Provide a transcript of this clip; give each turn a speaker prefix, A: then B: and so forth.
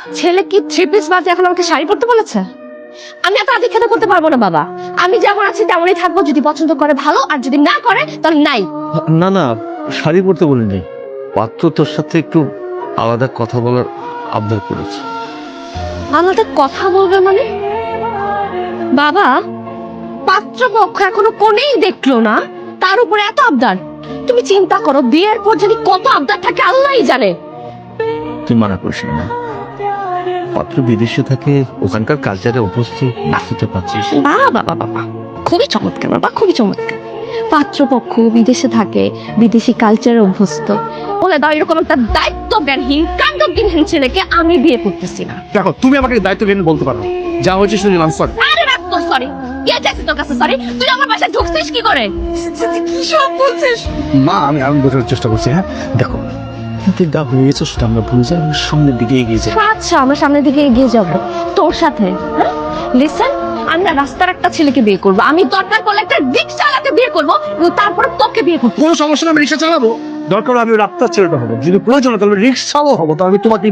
A: ছেলে কি three piece বাজে এখন আমাকে শাড়ি পরতে বলেছে? আমি এত আধিক্ষেতা করতে পারবো না বাবা। আমি যেমন আছি তেমনই থাকবো, যদি পছন্দ করে ভালো, আর যদি না করে তাহলে নাই।
B: না না, শাড়ি পরতে বলিনি, পাত্র তোর সাথে একটু আলাদা কথা বলার আবদার করেছে।
A: আলাদা কথা বলবে মানে? বাবা, পাত্রপক্ষ এখনো কোনেই দেখলো না, তার উপরে এত আবদার। তুমি চিন্তা করো, বিয়ের পর যদি কত আবদার থাকে আল্লাহই জানে।
B: তুই মানা করিস না, পাত্র বিদেশে থাকে, ওখানকার কালচারে অভ্যস্ত, বুঝতে পারছিস।
A: বাবা বাবা, খুবই চমৎকার বাবা, খুবই চমৎকার। পাত্রপক্ষ বিদেশে থাকে, বিদেশি কালচারে অভ্যস্ত, বলে দাও এরকম একটা দায়িত্বজ্ঞানহীন কাণ্ডজ্ঞানহীন ছেলেকে আমি বিয়ে করতেছি না।
C: দেখো, তুমি আমাকে দায়িত্বজ্ঞান বলতে পারো, যা হয়েছে শুনে নিলাম, সরি।
A: আরে রাখ তো সরি, কে চাইছে তোর কাছে সরি? তুই আমার বাসায় ঢুকছিস কি করে? কি সব বলছিস?
C: মা, আমি বোঝার চেষ্টা করছি। হ্যাঁ দেখো, যা হয়ে গেছে সেটা আমরা ভুলে যাই, সামনের দিকে এগিয়ে যাই।
A: আচ্ছা, আমরা সামনের দিকে এগিয়ে যাব তোর সাথে। লিসেন, আমি না রাস্তার একটা ছেলেকে বিয়ে করবো, আমি দরকার করলে একটা রিক্সা চালাতে বিয়ে করবো, তারপরে তোকে বিয়ে করবো।
C: কোনো সমস্যা না, আমি রিক্সা চালাবো, দরকার হলে আমি রাস্তার ছেলেটা হবো, যদি প্রয়োজন হয় তাহলে রিক্সাও হবো, তো আমি তোমাকে